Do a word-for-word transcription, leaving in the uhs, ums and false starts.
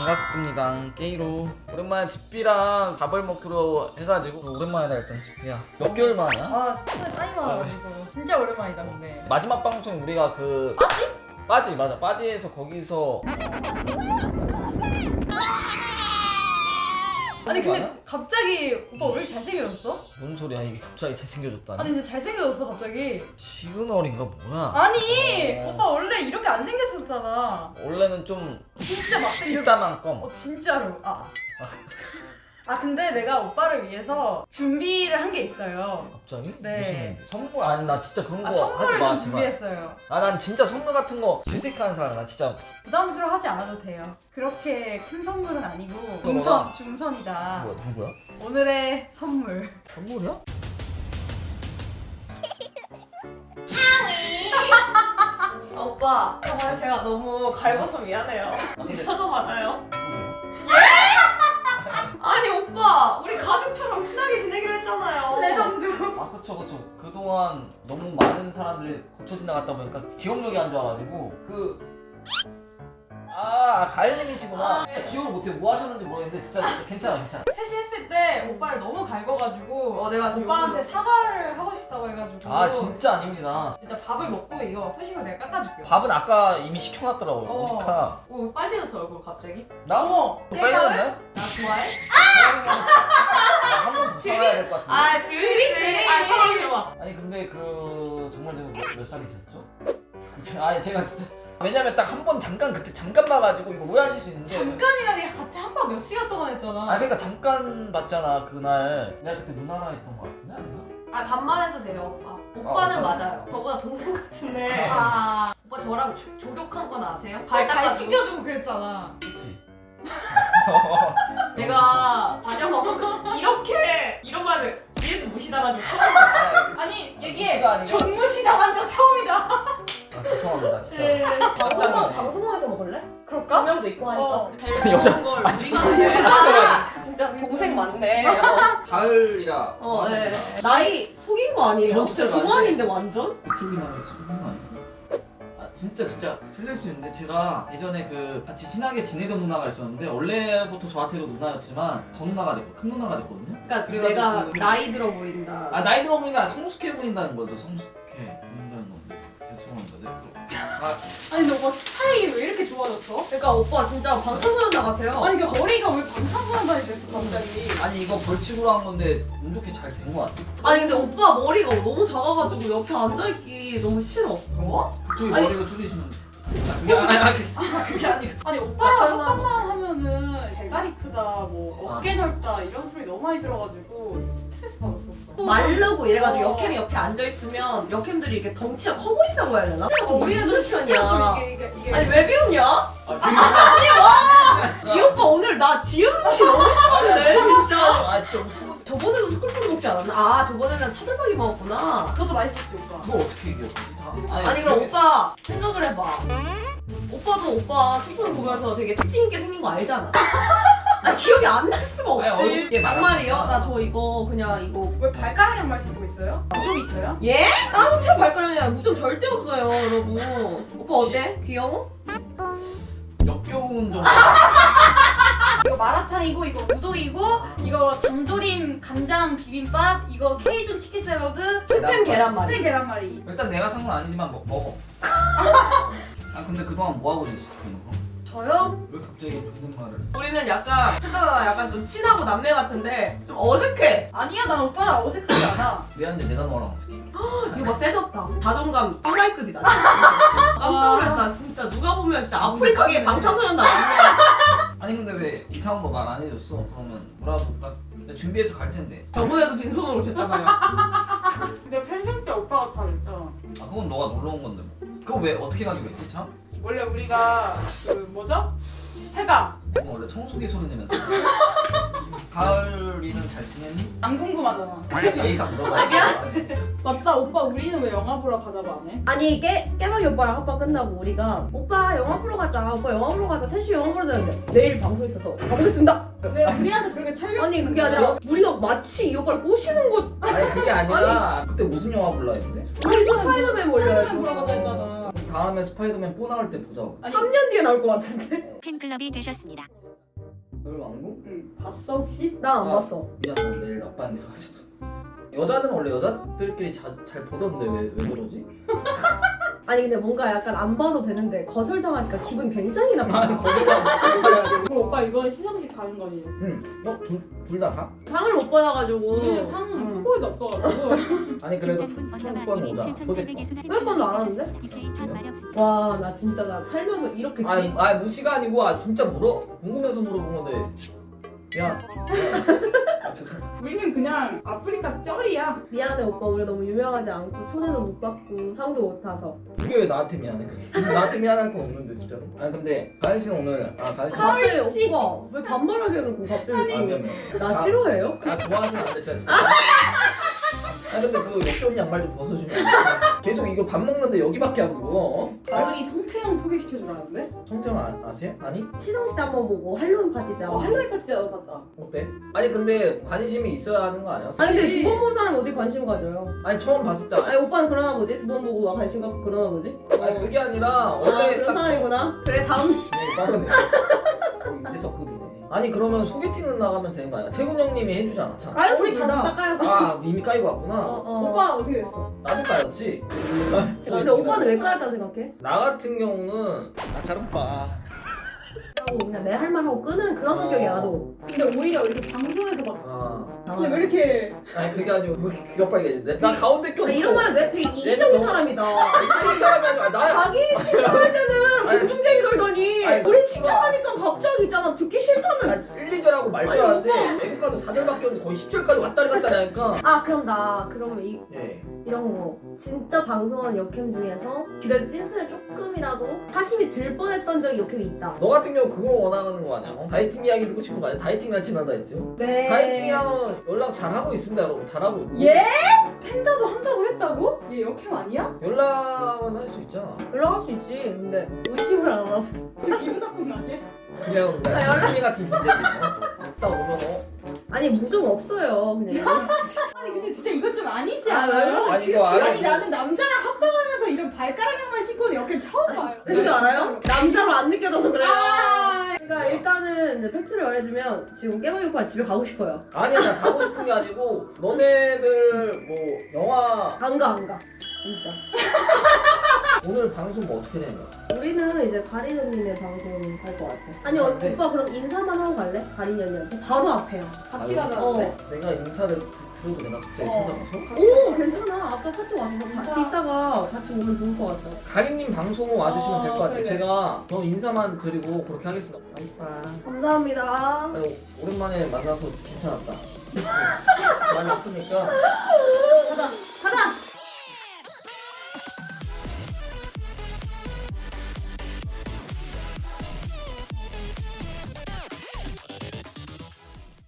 반갑습니다. 깨이로 오랜만에 집비랑 밥을 먹기로 해가지고 오랜만이다 일단 집비야. 몇 개월 만이야? 아, 시간 많이 많아가지고 진짜 오랜만이다 근데. 마지막 방송 우리가 그 빠지? 빠지 맞아 빠지에서 거기서 아니 근데 많아? 갑자기 오빠 왜 이렇게 잘생겨졌어? 뭔 소리야 이게 갑자기 잘생겨졌다니. 아니 진짜 잘생겨졌어 갑자기. 시그널인가 뭐야? 아니 어. 오빠 원래 이렇게 안 생겼었잖아. 원래는 좀 진짜 막 생겨. 식다만 껌. 어 진짜로. 아. 아 근데 내가 오빠를 위해서 준비를 한 게 있어요. 갑자기? 네. 무슨 선물? 아니 나 진짜 그런 거 아 하지 선물을 마 좀 제발. 준비했어요. 아 난 진짜 선물 같은 거 질색하는 사람이야. 나 진짜 부담스러워하지 않아도 돼요. 그렇게 큰 선물은 아니고 뭐가? 중선, 중선이다. 뭐야 누구야? 오늘의 선물. 선물이야? 아, 오빠 정말 제가 너무 갈궈서 미안해요. 아, 근데- 사과 많아요. 누구세요? 아니 오빠 우리 가족처럼 친하게 지내기로 했잖아요. 레전드. 아 그쵸 그쵸 그동안 너무 많은 사람들이 거쳐 지나갔다 보니까 기억력이 안 좋아가지고 그 아, 가을님이시구나. 진짜 기억을 못해. 뭐 하셨는지 모르겠는데 진짜, 진짜 괜찮아 괜찮아. 셋이 했을 때 오빠를 너무 갈궈가지고 어, 내가 지금 오빠한테 이걸로- 사과를 하고 싶다고 해가지고 아 진짜 아닙니다. 일단 밥을 먹고 이거 후식으로 내가 깎아줄게요. 밥은 아까 이미 시켜놨더라고요. 어. 보니까 오 빨개졌어 얼굴 갑자기. 나? 어머! 빨개졌나요? 나 좋아해? 한 번 더 살아야 될 것 같은데. 아 드림 드림. 아 사랑이 좋아. 아니 근데 그 정말 제가 몇, 몇 살이셨죠? 제- 아니 제가 진짜 왜냐면 딱 한 번 잠깐 그때 잠깐 봐가지고 이거 오해하실 수 있는데 잠깐이라니 같이 한밤 몇 시간 동안 했잖아. 아 그러니까 잠깐 봤잖아 그날. 내가 그때 누나랑 했던 거 같은데 아닌가? 아 반말해도 돼요 오빠. 오빠는 아, 맞아요. 저보다 동생 같은데. 아, 오빠 저랑 조, 조격한 건 아세요? 발, 발 닦아주고. 씻겨주고 그랬잖아. 그치? 내가 다녀봐서 이렇게 이런 말을 지혜도 무시당한 적 처음. 아, 아니 얘기해. 무시가 아니고- 정무시 당한 적 처음이다. 아 죄송합니다 진짜. 네. 짭짤하네. 방송국에서 먹을래? 그럴까? 두 명도 있고 하니까. 어. 제일 여자- 좋은 걸 아, 우리가 해. 아, 진짜 동생 많네. 어, 가을이라. 어, 네. 나이 속인 거 아니에요? 전 진짜 진짜 동안인데 완전? 이쪽이 나와있어. 그런 거 아니지? 아 진짜 진짜 실례일 수 있는데 제가 예전에 그 같이 친하게 지내던 누나가 있었는데 원래부터 저한테도 누나였지만 더 누나가 됐고 큰 누나가 됐거든요. 그러니까 그래가지고 내가 그- 나이 들어 보인다. 아 나이 들어 보니까 성숙해 보인다는 거죠. 성숙해 보인다는 건데 죄송합니다. 네, 또. 아, 아니 근데 오빠 스타일이 왜 이렇게 좋아졌어? 그러니까 오빠 진짜 방탄소년단 같아요. 아니 그러니까 머리가 왜 방탄소년단이 됐어 갑자기. 아니 이거 벌칙으로 한 건데 운 좋게 잘 된 거 같아. 아니 근데 오빠 머리가 너무 작아가지고 옆에 앉아있기 너무 싫어. 어? 그쪽이 아니- 머리가 줄이시면 아, 그게 아니, 아니, 아, 그게 아니고 아니 오빠랑 잠깐만. 합방만 하면은 대가리 크다 뭐 아. 어깨 넓다 이런 소리 너무 많이 들어가지고 스트레스 받았었어. 마르고 이래가지고 어. 역캠이 옆에 앉아있으면 역캠들이 이렇게 덩치가 커 보인다고 해야 되나? 어, 우리는 좀 실제로 이게 이게 이게 아니 왜 비웃냐? 아, 그게 이 오빠 오늘 나 지은 무시 너무 심한데 진짜. 아 진짜 무슨 건데 저번에도 스쿨푸드 먹지 않았나? 아 저번에는 차돌박이 먹었구나. 그것도 맛있었지 오빠. 그거 어떻게 이겼지 다? 아니 그럼 오빠 생각을 해봐. 오빠도 오빠 스스로 보면서 되게 특징 있게 생긴 거 알잖아. 나 기억이 안 날 수가 아니, 없지. 어렵게 양말이요? 말하지 마. 나 저 이거 그냥 이거 왜 발가락 양말 신고 있어요? 좀 있어요? 예? 따뜻해 발가락이야. 무좀 절대 없어요 여러분. 오빠 어때? 귀여워? 역겨운 좀 이거 마라탕이고 이거 우동이고 이거 장조림 간장 비빔밥 이거 케이준 치킨 샐러드 스팸 계란말이. 스팸 계란말이. 일단 내가 산 건 아니지만 먹, 먹어. 아 근데 그동안 뭐 하고 있었어? 저요? 왜 갑자기 존댓말을? 우리는 약간 생각보다 약간 좀 친하고 남매 같은데 좀 어색해. 아니야 난 오빠랑 어색하지 않아. 미안한데 내가 너랑 어색해. 이거 막 세졌다. 자존감 또라이급이다 진짜. 깜짝 놀랐다 진짜. 누가 보면 진짜 아프리카계 방탄소년단 맞네. 아니 근데 왜 이상한 거 말 안 해줬어? 그러면 뭐라도 딱 내가 준비해서 갈 텐데. 저번에도 빈손으로 오셨잖아요. 근데 펜션 때 오빠가 잘했잖아. 아 그건 너가 놀러 온 건데 뭐. 그거 왜 어떻게 가지고 있지 참? 원래 우리가 그 뭐죠? 해가 이거 원래 청소기 소리 내면서. 가을이는 잘 지냈니? 안 궁금하잖아. 예의상 물어봐야 돼. 맞다 오빠 우리는 왜 영화 보러 가자고 안 해? 아니 깨, 깨박이 오빠랑 합방 끝나고 우리가 오빠 영화 보러 가자 오빠 영화 보러 가자 셋이 영화 보러 가자는데 내일 방송 있어서 가보겠습니다. 왜 우리한테 그렇게 철벽 아니 그게 아니라 우리가 마치 이 오빠를 꼬시는 것. 아니 그게 아니라 그때 무슨 영화 볼라 했는데? 우리 스파이더맨 몰려야지. 스파이더맨 보러 가자 했잖아. 다음에 스파이더맨 뽀 나올 때 보자고. 아니 삼 년 뒤에 나올 것 같은데. 팬클럽이 되셨습니다. 노을왕국? 응. 봤어 혹시? 나 안 아. 봤어. 미안 나 내일 낮방 있어가지고 여자들은 원래 여자들끼리 자, 잘 보던데 왜, 왜 그러지? 아니 근데 뭔가 약간 안 봐도 되는데 거절당하니까 기분 굉장히 나빠. 아니 거기가 그럼 오빠 이거 시상식 가는 거지? 응. 어? 둘 다 가? 상을 못 받아가지고. 우리는 상 응. 후보에도 없어가지고 아니 그래도 초권 오자 초대권 초대권도 안 하는데? 와 나 진짜 나 살면서 이렇게 지... 아니, 아니 무시가 아니고 아 진짜 물어 궁금해서 물어본 건데 야 아, 죄송합니다. 우리는 그냥 아프리카 쩔이야. 미안해 오빠 우리 너무 유명하지 않고 초대도 못 받고 상도 못 타서. 그게 왜 나한테 미안해 그게 나한테 미안할 건 없는데 진짜로 아니 근데 가연 씨는 오늘 아 가연 씨 갑자기 오빠 왜 반말하게 해놓고 갑자기 아 미안 또 미안 나 싫어해요? 아 좋아하진 않는데 진짜 진짜 아 근데 그 역겨운 양말 좀 벗어주면 안 돼? 계속 이거 밥 먹는데 여기밖에 안 보고 어? 아, 가을이 성태형 소개시켜주라는데? 성태형 아, 아세요? 아니? 시상식 때 한 번 보고 할로윈 파티 때 어 한 번. 할로윈 파티 때도 봤다. 어때? 아니 근데 관심이 있어야 하는 거 아니야? 아니 근데 두 번 본 사람 어디 관심 가져요? 아니 처음 봤을 때 아니 오빠는 그러나 보지? 두 번 보고 막 관심 갖고 그러나 보지? 아니 그게 아니라 아 원래 그런 딱 사람이구나. 그래 다음. 네, 빠르네. 유재석급이네. 아니 그러면 소개팅은 나가면 되는 거 아니야? 채군 형님이 해주잖아. 참. 까였어 우리 둘 다 다. 까였어. 아 이미 까이고 왔구나. 어, 어. 오빠 어떻게 됐어? 나도 까였지. 근데 오빠는 왜 까였다 생각해? 나 같은 경우는 아 다른 오빠. 하고 그냥 내 할 말 하고 끄는 그런 성격이야 나도. 근데 오히려 이렇게 방송에서 막 아 근데 왜 이렇게 아니 그게 아니고 왜 이렇게 귀가 빨개지지? 나 가운데 껴. 아, 이런 말은 왜 되게 이기적인 사람이다. 이런 사람이 아니라 나. 자기 칭찬할 때는 아니, 공중쟁이 돌더니 아니, 우리 칭찬하니까 갑자기 있잖아 듣기 싫다는. 일, 이 절하고 말 줄 알았는데 애국가도 사 절밖에 없는데 거의 십 절까지 왔다리 갔다리 하니까 아 그럼 나 그러면 이, 예. 이런 거 진짜 방송하는 역행 중에서 그래도 찐텐을 조금이라도 사심이 들 뻔했던 적이 역행이 있다. 너 같은 경우 그걸 원하는 거 아니야? 어? 다이팅 이야기 듣고 싶은 거 아니야? 다이팅 날 친하다 했지? 네. 다이팅 하면 연락 잘하고 있습니다 여러분 잘하고 있고 예? 텐다도 한다고 했다고? 얘 역행 아니야? 연락은 할 수 있잖아 연락할 수 있지. 근데 의심을 안 하나 보다. 진짜 기분 나쁜 거 아니야? 그냥 아, 나 심심이 같은 존재지 어? 딱 오면 어? 아니 무좀 없어요 그냥. 아니 근데 진짜 이건 좀 아니지 아, 않아요? 아니 이거 알아 아니 나는 남자랑 합방하면서 이런 발가락 양말 신고는 역행 처음 봐요. 왠지 알아요? 남자로 안 느껴져서 그래요. 아, 그러니까 일단은 이제 팩트를 말해주면 지금 깨방이 오빠 집에 가고 싶어요. 아니야 나 가고 싶은 게 아니고 너네들 뭐 영화 안 가 안 가. 진짜. 오늘 방송 뭐 어떻게 되는 거야? 우리는 이제 가린 언니네 방송 갈 것 같아. 아니 어, 네. 오빠 그럼 인사만 하고 갈래? 가린 언니한테 바로 앞에야. 같이 아유, 가자는데? 내가 인사를 드- 들어도 내가 갑자기 어. 찾아가서? 오 괜찮아. 아까 카톡 와서 같이 인사. 있다가 같이 오면 좋을 것 같아. 가린님 방송 와주시면 어, 될 것 같아요 그래. 제가 저 인사만 드리고 그렇게 하겠습니다 아, 감사합니다. 아니, 오랜만에 만나서 괜찮았다 네, 많이 왔으니까 가자.